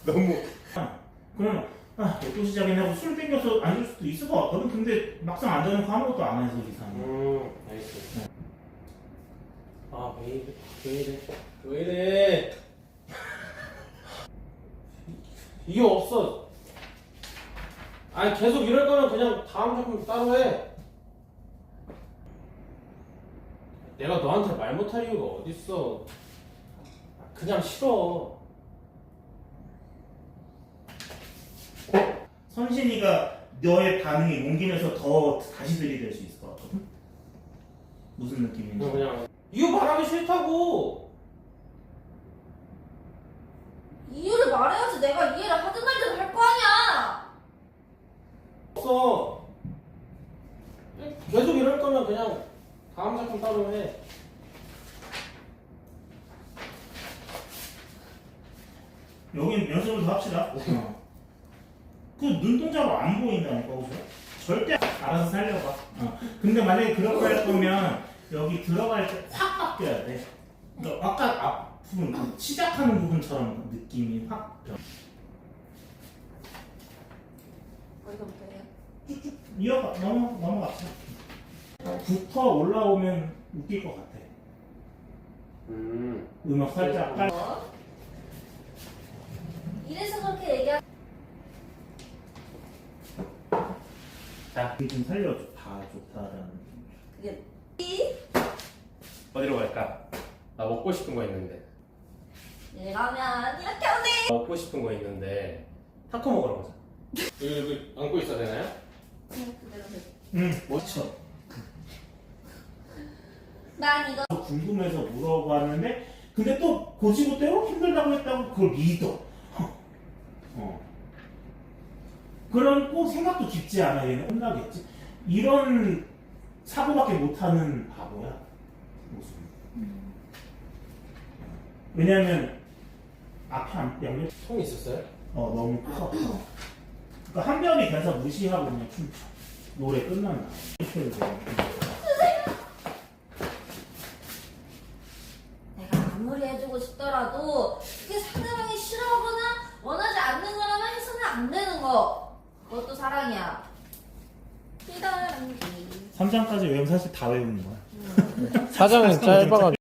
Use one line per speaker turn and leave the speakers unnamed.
너무.
그럼 또 시작이네 하고 술 땡겨서 앉을 수도 있을 것 같거든. 근데 막상 앉아놓고 아무것도 안 해서 이상해.
알겠어. 아, 왜 이래. 이게 없어. 아니, 계속 이럴 거면 그냥 다음 작품 따로 해. 내가 너한테 말 못할 이유가 어딨어. 그냥 싫어.
선신이가 너의 반응이 옮기면서 더 다시 들이댈 수 있을 것 같거든. 무슨 느낌인지.
그냥 이유 말하기 싫다고.
이유를 말해야지 내가 이해를 하든 말든 할 거 아니야.
없어. 계속 이럴 거면 그냥 다음 작품 따로 해.
여긴 연습을 더 합시다. 그 눈동자로 안 보인다니까, 그죠? 절대 알아서 살려봐. 근데 만약에 그런 거 할 거면 여기 들어갈 때 확 바뀌어야 돼. 그러니까 아까 앞부분, 그 시작하는 부분처럼 느낌이 확 변.
어디서부터 해요?
넘어갑시다. 붙어 올라오면 웃길 것 같아. 음악 살짝 깔.
이래서 그렇게 얘기하.
자, 좀 살려줘. 다 좋다라는.
그게
어디로 갈까? 나 먹고 싶은 거 있는데.
이러면 이렇게 오네.
먹고 싶은 거 있는데 타코 먹으러 가자. 여기 안고 있어야 되나요?
그냥 그대로 해.
멋져.
난 이거
궁금해서 물어봤는데, 근데 또 고지고대로 힘들다고 했다고 그걸 믿어. 그런 꼭 생각도 깊지 않아. 얘는 혼나겠지. 이런 사고밖에 못하는 바보야. 모습. 왜냐면 앞에 양옆
통 있었어요?
너무 커. 그러니까 한 명이 돼서 무시하고 그냥 춤춰. 노래 끝난다. 이렇게 해서.
내가 아무리 해주고 싶더라도 그게 상대방이 싫어하거나 원하지 않는 거라면 해서는 안 되는 거. 그것도 사랑이야. 피다랑기.
3장까지 외우면 사실 다 외우는 거야.
사장은 짧아가지고.